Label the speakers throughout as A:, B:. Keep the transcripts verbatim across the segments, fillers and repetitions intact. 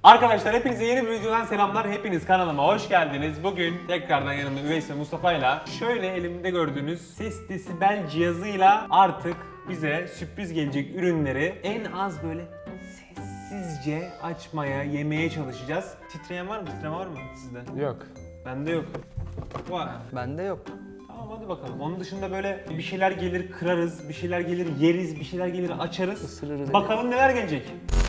A: Arkadaşlar hepinize yeni bir videodan selamlar. Hepiniz kanalıma hoş geldiniz. Bugün tekrardan yanımda Üveys ve Mustafa'yla şöyle elimde gördüğünüz ses desibel cihazıyla artık bize sürpriz gelecek ürünleri en az böyle sessizce açmaya, yemeye çalışacağız. Titreyen var mı? Titreme var mı sizde?
B: Yok.
A: Bende yok. Var.
C: Bende yok.
A: Tamam hadi bakalım. Onun dışında böyle bir şeyler gelir kırarız, bir şeyler gelir yeriz, bir şeyler gelir açarız.
C: Isırırız.
A: Bakalım neler gelecek.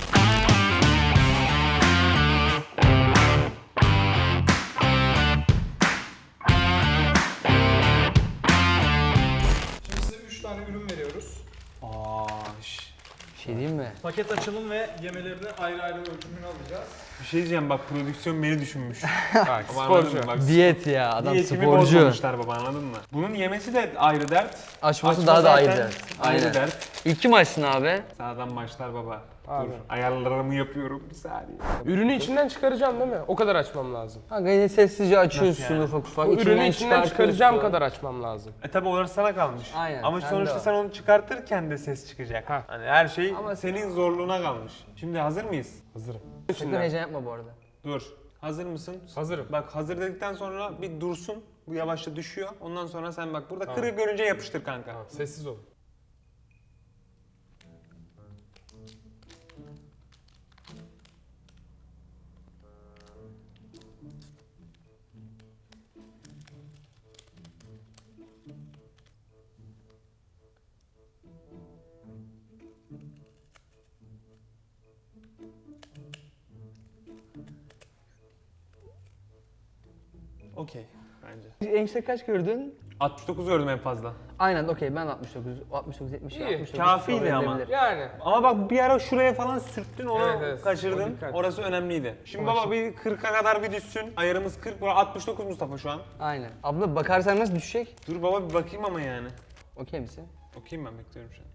B: Şimdi size üç tane ürün veriyoruz.
A: Aa, şş.
C: Bir şey diyeyim mi?
B: Paket açılım ve yemelerini ayrı ayrı ölçümünü alacağız.
A: Bir şey diyeceğim bak, prodüksiyon beni düşünmüş.
B: Bak
A: Baba, anladın
B: sporcu.
A: mı? Bak,
C: Diyet ya, adam
A: diyetimi
C: sporcu.
A: bozmamışlar baba, anladın mı? Bunun yemesi de ayrı dert.
C: Açması
A: Açma
C: daha da ayrı
A: zaten
C: dert.
A: Ayrı
C: Aynen.
A: dert.
C: İlk kim açsın abi?
A: Sağdan başlar baba.
B: Abi.
A: Dur ayarlarımı yapıyorum bir saniye.
B: Ürünü içinden çıkaracağım değil mi? O kadar açmam lazım.
C: Kanka yine sessizce açıyorsun
A: yani?
C: ufak ufak.
B: Bu ürünü içinden
C: çıkartıyorsun.
B: çıkaracağım kadar açmam lazım.
A: E tabi orası sana kalmış.
C: Aynen,
A: Ama
C: sende
A: sonuçta
C: o.
A: sen onu çıkartırken de ses çıkacak.
B: Ha.
A: Hani her şey
C: Ama-
A: senin zorluğuna kalmış. Şimdi hazır mıyız?
B: Hazırım.
C: Sakın
B: İçinden.
C: heyecan yapma bu arada.
A: Dur. Hazır mısın?
B: Hazırım.
A: Bak hazır dedikten sonra bir dursun. Bu yavaşça düşüyor. Ondan sonra sen bak burada kırık görünce yapıştır kanka.
B: Tamam, sessiz ol.
A: Okey bence.
C: En yüksek kaç gördün?
A: altmış dokuz gördüm en fazla.
C: Aynen okey, ben altmış dokuz, altmış dokuz, yetmiş,
B: İyi,
C: altmış dokuz.
A: kafiydi
C: kabul
A: ama.
C: edilebilir.
B: Yani.
A: Ama bak bir ara şuraya falan sürttün, onu
B: Evet, evet. O
A: kaçırdın.
B: dikkat.
A: Orası önemliydi. Şimdi
B: Ama
A: baba bir kırka kadar bir düşsün. Ayarımız kırk, bu altmış dokuz Mustafa şu an.
C: Aynen. Abla bakarsan nasıl düşecek?
A: Dur baba bir bakayım ama yani.
C: Okey misin?
A: Okuyayım ben, bekliyorum şu an.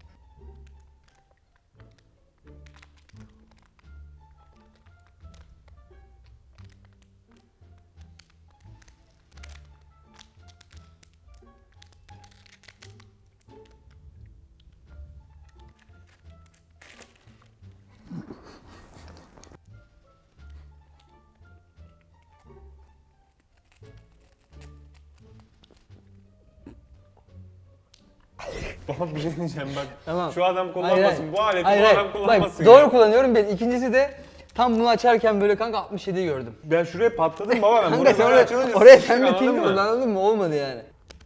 A: Baba bir şey diyeceğim bak.
C: Tamam.
A: Şu adam kullanmasın,
C: Hayır, hayır.
A: bu aleti
C: Hayır,
A: bu
C: hayır.
A: adam kullanmasın.
C: Bak, doğru
A: ya.
C: kullanıyorum ben. İkincisi de tam bunu açarken böyle kanka altmış yediyi gördüm.
A: Ben şuraya patladım baba, ben
C: Kanka
A: buraya
C: sen
A: böyle
C: oraya,
A: açılınca
C: oraya
A: sıçtık,
C: sen bir
A: anladın
C: ping
A: mı?
C: vurdun, anladın mı? Olmadı yani.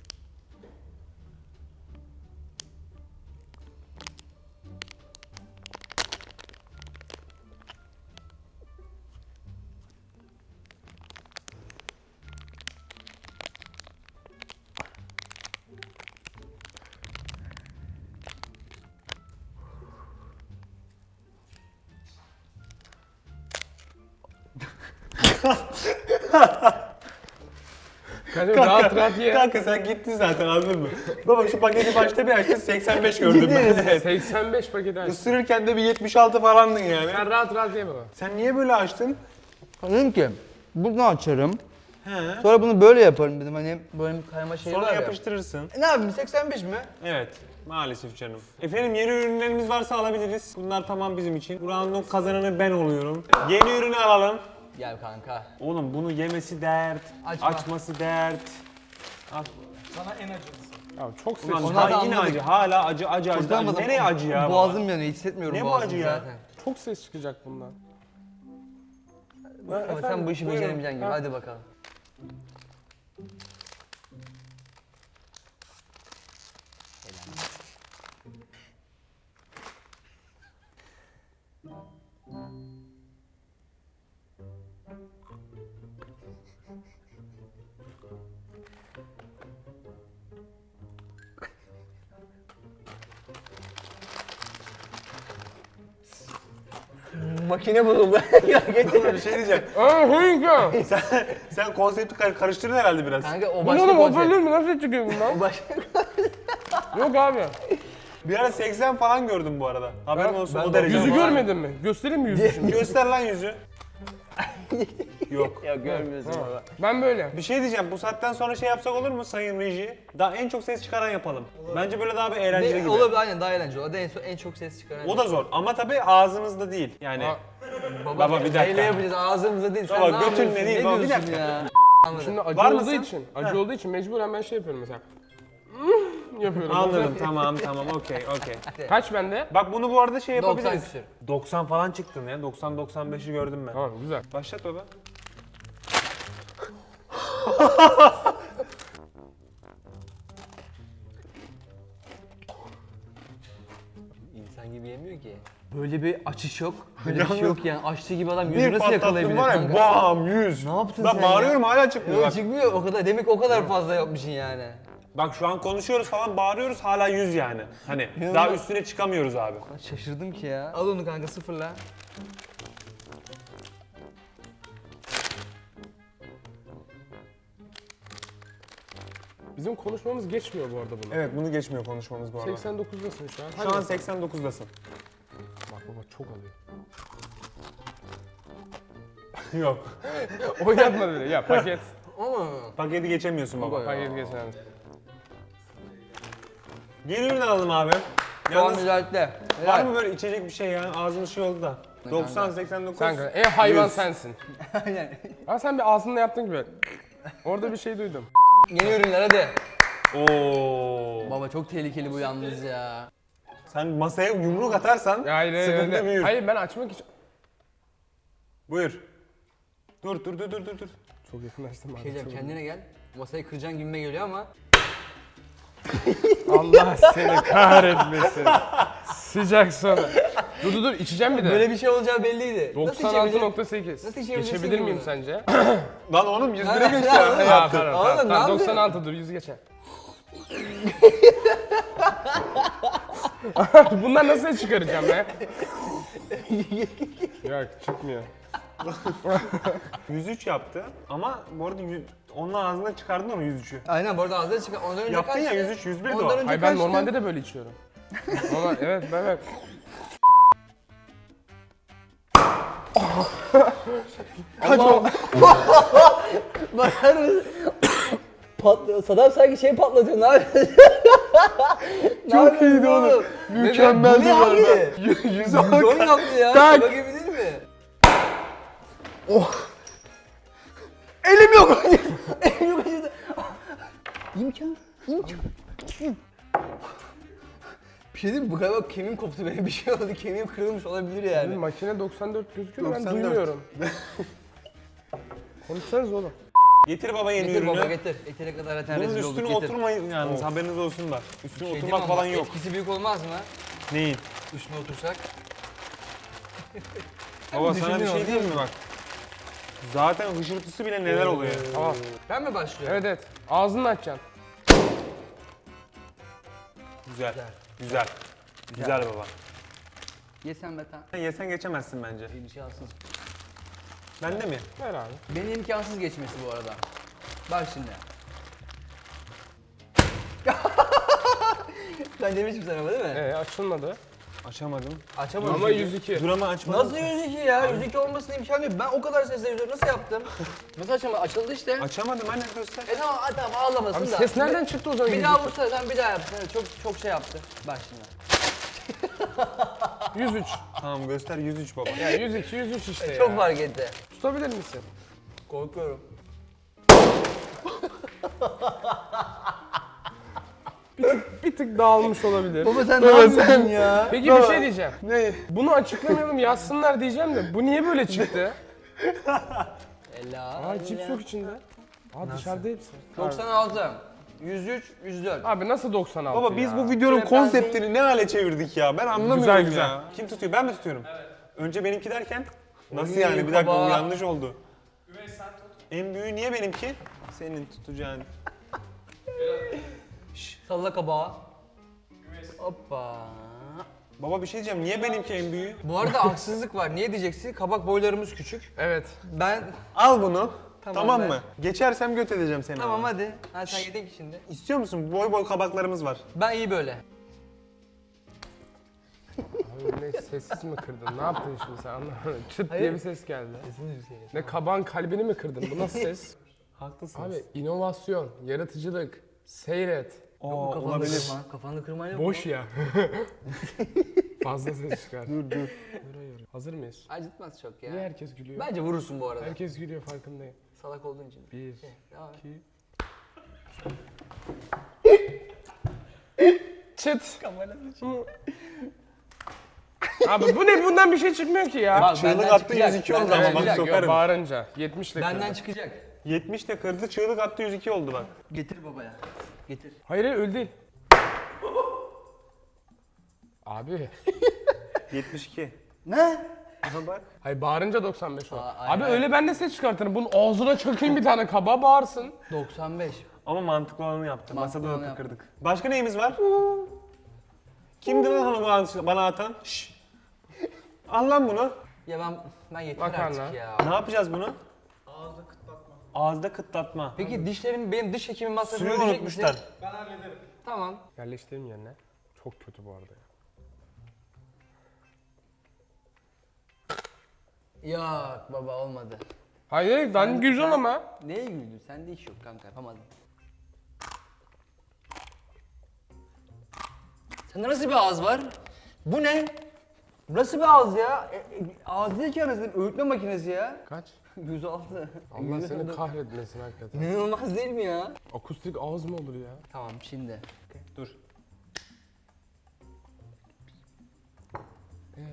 B: Kanka rahat rahat ye.
A: Kanka sen gittin zaten, anladın mı? Baba şu paketi başta bir açtın, seksen beş gördüm ben. Evet.
B: seksen beş paket aç.
A: Isırırken de bir yetmiş altı falandın yani.
B: Sen rahat rahat ye baba.
A: Sen niye böyle açtın?
C: Dedim ki bunu açarım.
A: He.
C: Sonra bunu böyle yaparım dedim, hani böyle bir kayma şeyi
A: Sonra
C: var ya.
A: yapıştırırsın.
C: E ne yapayım, seksen beş mi?
A: Evet. Maalesef canım. Efendim yeni ürünlerimiz varsa alabiliriz. Bunlar tamam bizim için. Bu round'un kazananı ben oluyorum. Yeni ürünü alalım.
C: Gel kanka.
A: Oğlum bunu yemesi dert,
C: Açma.
A: açması dert. Al.
B: Sana en acılısı. Ya çok sessiz.
A: Ulan
C: Onlar da
A: daha yine
C: anladık.
A: acı. Hala acı, acı, acı. acı.
C: Kurtulamadım.
A: Nereye acı ya? baba?
C: Boğazım yanıyor, hissetmiyorum
A: Ne bu
C: boğazımı
A: acı ya?
C: zaten.
B: Çok ses çıkacak bundan.
C: Ama sen
B: Efendim,
C: bu işi
B: buyurun.
C: beceremeyeceksin gibi,
B: Ha.
C: hadi bakalım. Makine bozuldu. Ya getir.
A: Bir şey diyeceğim.
B: Aa hınka.
A: sen, sen konsepti kar- karıştırdın herhalde biraz.
C: Kanka o
B: Bu
C: başka
B: oğlum
C: konsept.
B: hoparlör mü? Nasıl çıkıyor bundan?
C: O başka.
B: Yok abi.
A: Bir ara seksen falan gördüm bu arada. Haberin
B: Ben-
A: olsun
C: ben
A: o
C: de-
A: derece.
B: Yüzü
A: ama.
B: görmedin mi? Göstereyim mi yüzü şimdi?
A: Göster lan yüzü. Yok.
C: Ya görmüyorsun
B: Ha.
C: baba.
B: Ben böyle.
A: Bir şey diyeceğim, bu saatten sonra şey yapsak olur mu sayın reji? Daha en çok ses çıkaran yapalım. Bence böyle daha bir eğlenceli
C: Ne,
A: gibi.
C: olabilir, aynen daha eğlenceli. O da en, en çok ses çıkaran.
A: O da zor ama tabii ağzınızda değil. Yani
B: Ha.
C: Baba,
A: Baba, bir dakika.
C: Neyle yapacağız ağzımıza değil. Sen
A: Baba,
C: ne
A: götünle
C: yapıyorsun?
A: değil,
C: Ne
A: baba, bir
C: diyorsun
A: dakika.
C: ya?
D: Şimdi acı
A: Var
D: olduğu
A: mısın?
D: için, acı olduğu için mecburen ben şey yapıyorum mesela. yapıyorum.
A: Anladım tamam tamam okey okey.
D: Kaç bende?
A: Bak bunu bu arada şey
C: doksan
A: yapabiliriz.
C: küsür.
A: doksan falan çıktın ya. doksan doksan beşi gördüm ben.
D: Tamam güzel.
A: Başlat baba.
C: İnsan gibi yemiyor ki. Böyle bir açış yok. Böyle bir şey yok yani. Açtığı gibi adam yüzü
A: Bir
C: nasıl yakalayabilir
A: patlattım var ya
C: kanka?
A: bam yüz.
C: Ne yaptın
A: Ben
C: sen
A: bağırıyorum
C: ya?
A: hala çıkmıyor
C: Yok
A: bak.
C: çıkmıyor o kadar. Demek o kadar fazla yapmışsın yani.
A: Bak şu an konuşuyoruz falan bağırıyoruz hala yüz yani. Hani
C: İnanılmaz.
A: daha üstüne çıkamıyoruz abi.
C: Şaşırdım ki ya. Al onu kanka sıfırla.
D: Bizim konuşmamız geçmiyor bu arada bunu.
A: Evet bunu geçmiyor konuşmamız bu arada.
D: seksen dokuzdasın şu an.
A: Şu
D: Hadi.
A: an seksen dokuzdasın.
D: Bak baba çok alıyor.
A: Yok.
D: Oynatma bile ya paket.
C: Ama
A: Paketi geçemiyorsun baba.
C: Baba.
D: Paket geçen.
A: Yeni ürün alalım abi.
C: puan
A: Yalnız
C: mücadele.
A: var mı böyle içecek bir şey ya? Ağzımız şey oldu da. doksan seksen dokuz.
D: Sen en hayvan
A: yüz.
D: sensin.
C: Aynen.
D: Ama sen bir ağzınla yaptın gibi. Orada bir şey duydum.
C: Yeni ürünler hadi.
A: Oo.
C: Baba çok tehlikeli bu yalnız ya.
A: Sen masaya yumruk atarsan
D: Ya hayır, hayır,
A: sıkıntı
D: öyle.
A: büyür.
D: Hayır ben açmak için...
A: Buyur. Dur dur dur dur dur dur.
D: Çok yakınlaştım
C: Şey diyeceğim, kendine gel. Masayı kıracaksın gibime geliyor ama.
D: Allah seni kahretmesin. Sıcak sonra. Dur dur dur içeceğim bir de.
C: Böyle bir şey olacağı belliydi.
D: doksan altı nokta sekiz.
C: Nasıl içebilirsin
D: Geçebilir
C: ki
D: miyim
C: bunu?
D: sence?
A: Lan oğlum yüz
C: Ha,
A: bire geçti
C: ha,
A: ya.
C: ha.
A: Yaptın.
D: Pardon,
C: Oğlum,
D: tamam,
C: ne
D: tamam,
C: yapıyorsun?
D: doksan altı dur yüz geçer. Bundan nasıl çıkaracağım be? Yok çıkmıyor.
A: yüz üç yaptı ama bu arada yüz, onun ağzına çıkardın onu yüz üçü.
C: Aynen bu arada ağzına çıkar. Ondan önce
A: Yaptın ya
C: kaçtı?
A: yüz üç yüz bir de
C: Ondan
A: o.
C: önce
D: Hayır ben
C: kaçtı?
D: normalde de böyle içiyorum. Normal, evet ben evet.
C: Allah. Bakar mısın? Patlıyor. Sadam sanki şey patlatıyor. Ne yapıyorsun? Çok iyiydi oğlum.
D: Mükemmel
C: Bu ne abi?
D: Yüz
C: Gol yaptı ya.
D: Tak.
C: Şaka gibi değil mi? Oh. Elim yok. Elim yok acıdı. İmkan. İmkan. Bir şey diyeyim mi? Bu galiba kemiğim koptu benim. Bir şey oldu. Kemiğim kırılmış olabilir yani.
D: Makine doksan dört gözüküyor da ben
A: doksan dört.
D: duymuyorum. Konuşsanız oğlum.
A: Getir baba yeni
C: Getir
A: ürünü.
C: baba getir. Etine kadar zaten
A: Bunun
C: rezil olduk.
A: üstüne
C: Getir.
A: oturmayın yalnız haberiniz olsun da. Üstüne
C: Şey
A: oturmak
C: değil mi
A: falan
C: ama
A: yok.
C: Etkisi büyük olmaz mı?
A: Neyin?
C: Üstüne otursak.
A: Baba sana bir
C: düşündün
A: şey
C: onu,
A: diyeyim mi bak? Zaten hışırtısı bile neler oluyor.
D: Tamam.
C: Ben mi başlıyorum?
D: Evet evet. Ağzını açacaksın.
A: Güzel. Güzel. Güzel baba.
C: Yesen Metan.
A: Sen yesen geçemezsin bence.
C: İmkansız.
A: Ben de mi?
D: Ver abi.
C: Benim imkansız geçmesi bu arada. Bak şimdi. Ben demiştim sana ama değil mi?
D: Ee açılmadı.
A: Açamadım.
C: Açamadım.
D: Ama yüz iki.
A: Dur ama açmadım.
C: Nasıl yüz iki ya? yüz iki olmasına imkan yok. Ben o kadar sesle yüz nasıl yaptım? Nasıl açamadım? Açıldı işte.
A: Açamadım anne göster.
C: E tamam, tamam ağlamasın
D: Abi
C: da.
D: ses nereden çıktı o zaman?
C: Bir
D: yüz
C: daha
D: iki?
C: vursana sen bir daha yapsana. Çok çok şey yaptı. Bak şimdi.
D: yüz üç.
A: Tamam göster yüz üç baba.
D: Ya yüz iki, yüz üç işte ya.
C: Çok fark etti.
D: Tutabilir misin?
C: Korkuyorum.
D: Bir tık dağılmış olabilir.
C: Baba sen ne yapıyorsun ya?
D: Peki bir şey diyeceğim. Ne? Bunu açıklamayalım yazsınlar diyeceğim de bu niye böyle çıktı?
C: Ela.
D: Aa cips yok içinde. Aa dışarıda hepsi.
C: doksan altı. yüz üç, yüz dört.
D: Abi nasıl doksan altı
A: Baba biz
D: ya?
A: bu videonun
C: Şöyle ben
A: konseptini ne hale çevirdik ya? Ben anlamıyorum
D: Güzel, güzel.
A: ya. Kim tutuyor? Ben mi tutuyorum? Evet. Önce benimki derken? Nasıl
C: Oy,
A: yani? Bir dakika
C: baba.
A: bu yanlış oldu.
B: Üvey sen tut.
A: En büyüğü niye benimki? Senin tutacağın.
C: Salla kabağı. Hoppa.
A: Baba bir şey diyeceğim. Niye benimki en büyüğü?
C: Bu arada haksızlık var. Niye diyeceksin? Kabak boylarımız küçük.
D: Evet.
C: Ben...
A: Al bunu.
C: Tamam,
A: Tamam,
C: ver.
A: mı? Geçersem göt edeceğim seni.
C: Tamam
A: ama.
C: hadi. Ha sen yedin ki şimdi.
A: İstiyor musun? Boy boy kabaklarımız var.
C: Ben iyi böyle.
D: Abi ne sessiz mi kırdın? Ne yaptın şimdi sen anlamadım. Çıt
C: Hayır.
D: diye bir ses geldi. Ne kaban kalbini mi kırdın? Bu nasıl ses?
A: Haklısınız.
D: Abi inovasyon, yaratıcılık, seyret.
A: Oo,
C: Kafanı
A: olabilir.
C: kırma. Kafanı kırma yok
D: Boş
C: mu?
D: ya. Fazla ses çıkar. dur dur. Hazır mıyız?
C: Acıtmaz çok ya.
D: Niye herkes gülüyor?
C: Bence vurursun bu arada.
D: Herkes gülüyor farkındayım.
C: Salak olduğun için.
D: Bir,
C: Devam et.
D: iki... Çıt. Abi bu ne? Bundan bir şey çıkmıyor ki ya.
C: Bak,
A: Çığlık
C: benden
A: attı
C: çıkacak,
A: yüz iki oldu
C: benden
A: ama bak
C: çıkacak.
D: Yok,
A: sokarım.
D: bağırınca. yetmiş ile
C: Benden
D: kırdı.
C: çıkacak.
A: yetmiş de kırdı, çığlık attı yüz iki oldu bak.
C: Getir babaya. Getir.
D: Hayır hayır öyle değil. Abi.
A: yetmiş iki.
C: Ne?
A: Aha bak.
D: Hayır bağırınca doksan beş o.
C: Aa,
D: Abi
C: hayır, hayır.
D: öyle ben de ses çıkartırım. Bunun ağzına çakayım bir tane kaba bağırsın.
C: doksan beş.
A: Ama mantıklı olanı yaptı.
C: Mantıklı
A: Masada
C: olanı
A: da
C: yaptı.
A: kırdık. Başka neyimiz var? Kimdi lan onu bana- bana atan? Şşş. Al lan bunu.
C: Ya ben ben yeter
D: Makarna.
C: artık ya.
A: Ne yapacağız bunu?
B: Ağızda kıtlatma.
A: Ağızda kıtlatma.
C: Peki dişlerim benim diş hekimi masrafını
A: Suyu
C: ödeyecek
A: unutmuşlar.
C: misin?
B: Ben hallederim.
C: Tamam.
D: Yerleştireyim yerine. Çok kötü bu arada ya.
C: Yok baba olmadı.
D: Hayır ben güzel ama.
C: Neye güldün? Sende iş yok kanka yapamadın. Sende nasıl bir ağız var? Bu ne? Nasıl bir ağız ya? E, e, ağız değil ki anasını öğütme makinesi ya.
D: Kaç?
C: yüz altı.
D: Allah seni kahretmesin hakikaten.
C: İnanılmaz değil mi ya?
D: Akustik ağız mı olur ya?
C: Tamam şimdi.
A: Dur.
D: Ee?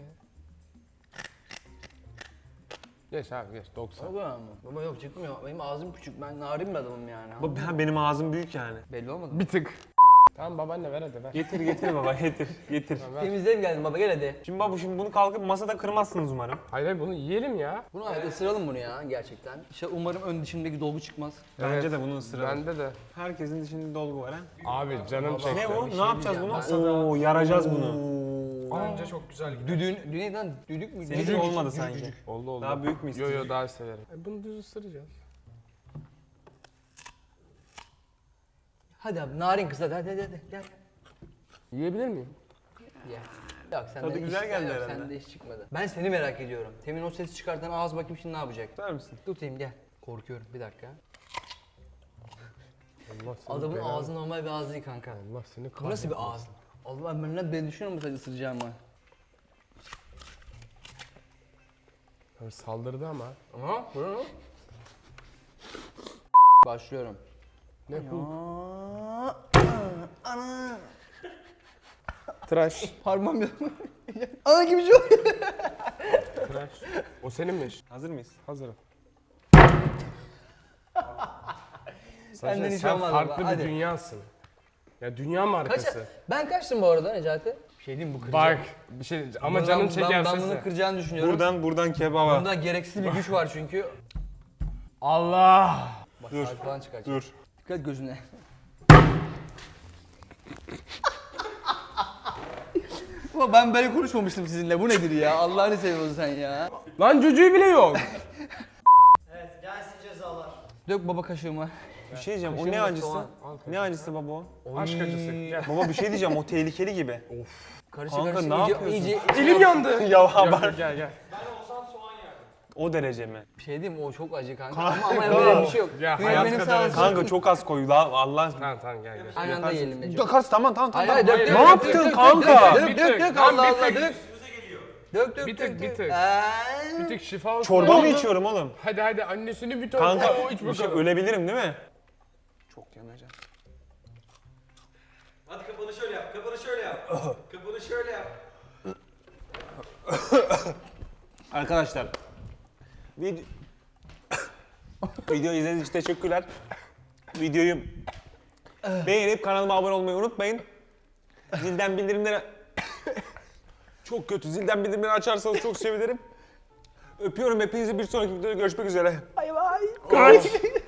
D: Geç abi geç doksan.
C: Baba mı? Baba yok çıkmıyor. Benim ağzım küçük. Ben narin bir adamım yani.
A: Bu- ben- Benim ağzım büyük yani.
C: Belli olmadı mı?
D: Bir tık. Tamam babaanne ver hadi ver.
A: Getir getir baba getir getir.
D: Ver.
C: Temizleyelim geldim baba gel hadi.
A: Şimdi baba şimdi bunu kalkıp masada kırmazsınız umarım.
D: Hayır hayır bunu yiyelim ya.
C: Bunu evet ısıralım bunu ya gerçekten. İşte umarım ön dişimdeki dolgu çıkmaz.
A: Bence
D: Evet,
A: de bunu ısıralım.
D: Bende de.
A: Herkesin dişinde dolgu var ha.
D: Abi canım çekti.
A: Ne bu?
C: bir
A: Ne
C: şey
A: yapacağız
C: diyeceğim.
A: bunu? Oo yaracağız bunu.
B: Bence çok güzel gidiyor.
C: Düdüğün, düdüğün neden? Düdük mü?
A: Seninki
C: Düdük.
A: olmadı sanki.
D: Oldu oldu.
A: Daha büyük mü
D: Yo
A: istiyorsun?
D: yo daha severim. E, bunu düz ısıracağız.
C: Hadi abi narin kız hadi hadi hadi gel.
D: Yiyebilir miyim?
C: Gel. Yok sende
A: Tadı
C: iş-
A: güzel geldi
C: yok,
A: herhalde.
C: Sende iş çıkmadı. Ben seni merak ediyorum. Temin o sesi çıkartan ağız bakayım şimdi ne yapacak?
A: Tutar mısın?
C: Tutayım gel. Korkuyorum bir dakika.
D: Allah seni
C: Adamın
D: belanı-
C: ağzı normal bir ağız değil kanka.
D: Allah seni kahretsin.
C: Bu nasıl bir ağız? Allah ben ne ben düşünüyor musun ısıracağımı?
D: Abi saldırdı ama.
C: Aha, bunu. Başlıyorum.
D: Ne bu?
C: Aa, ana.
D: Tıraş.
C: Parmağım yok. Ana gibi şey oluyor.
D: Tıraş. O seninmiş.
A: Hazır mıyız?
D: Hazırım.
C: Benden
D: Sen,
C: hiç
D: sen
C: olmaz
D: farklı
C: baba,
D: bir
C: hadi.
D: dünyasın. Ya dünya
C: Kaç,
D: markası.
C: ben kaçtım bu arada Necati? Bir şey diyeyim mi, bu kıracak.
D: Bak bir şey ama
C: Bunu
D: canım
C: ben-
D: çeker
C: Ben, ben bunu
D: sesi.
C: kıracağını düşünüyorum.
A: Buradan buradan kebaba.
C: Bunda gereksiz bir güç var çünkü.
D: Allah.
C: Bak
A: Dur,
C: saat falan çıkacak.
A: Dur.
C: Dikkat gözüne. Ama ben böyle konuşmamıştım sizinle. Bu nedir ya? Allah'ını seviyorsun sen ya.
D: Lan cücüğü bile yok.
B: Evet gelsin cezalar.
C: Dök baba kaşığıma.
A: Bir şey diyeceğim. O
C: Kaşığım
A: ne
C: yok,
A: acısı?
C: soğan.
A: Ne acısı baba o?
D: Aşk acısı. Gel.
A: Baba bir şey diyeceğim. O tehlikeli gibi.
C: Karışık
A: Kanka,
C: karışık
A: ne
C: iyice,
A: yapıyorsun?
C: iyice
D: Elim yandı.
A: ya
D: Gel
A: haber.
D: gel gel.
B: Ben olsam soğan yerdim.
A: O derece mi?
C: bir şey diyeyim mi? O çok acı kanka.
A: Kanka.
C: Ama, ama böyle bir şey yok.
D: Ya,
C: Benim-
D: hayat
C: benim
D: kadar
C: sağ
D: acı.
C: olsun.
A: Kanka çok az koy. La Allah.
D: Tamam tamam gel gel.
C: Aynı anda yiyelim Necati.
A: Yakarız tamam tamam tamam.
C: Hayır hayır dök
D: Hayır,
C: dök.
A: ne
C: dök,
A: yaptın
C: dök, dök,
A: kanka?
C: Dök
D: Bir
C: dök
D: tık,
C: dök
D: lan
C: Allah
D: bir
C: Allah
D: tık.
C: dök. Dök dök
D: Bir
C: dök
D: tık, bir
C: dök.
D: tık.
C: Eee.
D: Bir tık şifa olsun.
A: Çorba mı
D: Oldu.
A: içiyorum oğlum?
D: Hadi hadi annesini bir ton.
A: Kanka
D: Oo, iç
A: bir şey
D: bakalım.
A: ölebilirim değil mi? Çok yanacak.
B: Hadi kapanı şöyle yap. Kapanı şöyle yap. Kapanı şöyle yap.
A: Arkadaşlar. Video... Video izlediğiniz için teşekkürler. Videoyu beğenip kanalıma abone olmayı unutmayın. Zilden bildirimleri... Çok kötü. Zilden bildirimleri açarsanız çok sevinirim. Öpüyorum hepinizi. Bir sonraki videoda görüşmek üzere.
C: Bay bay.
A: Kaç.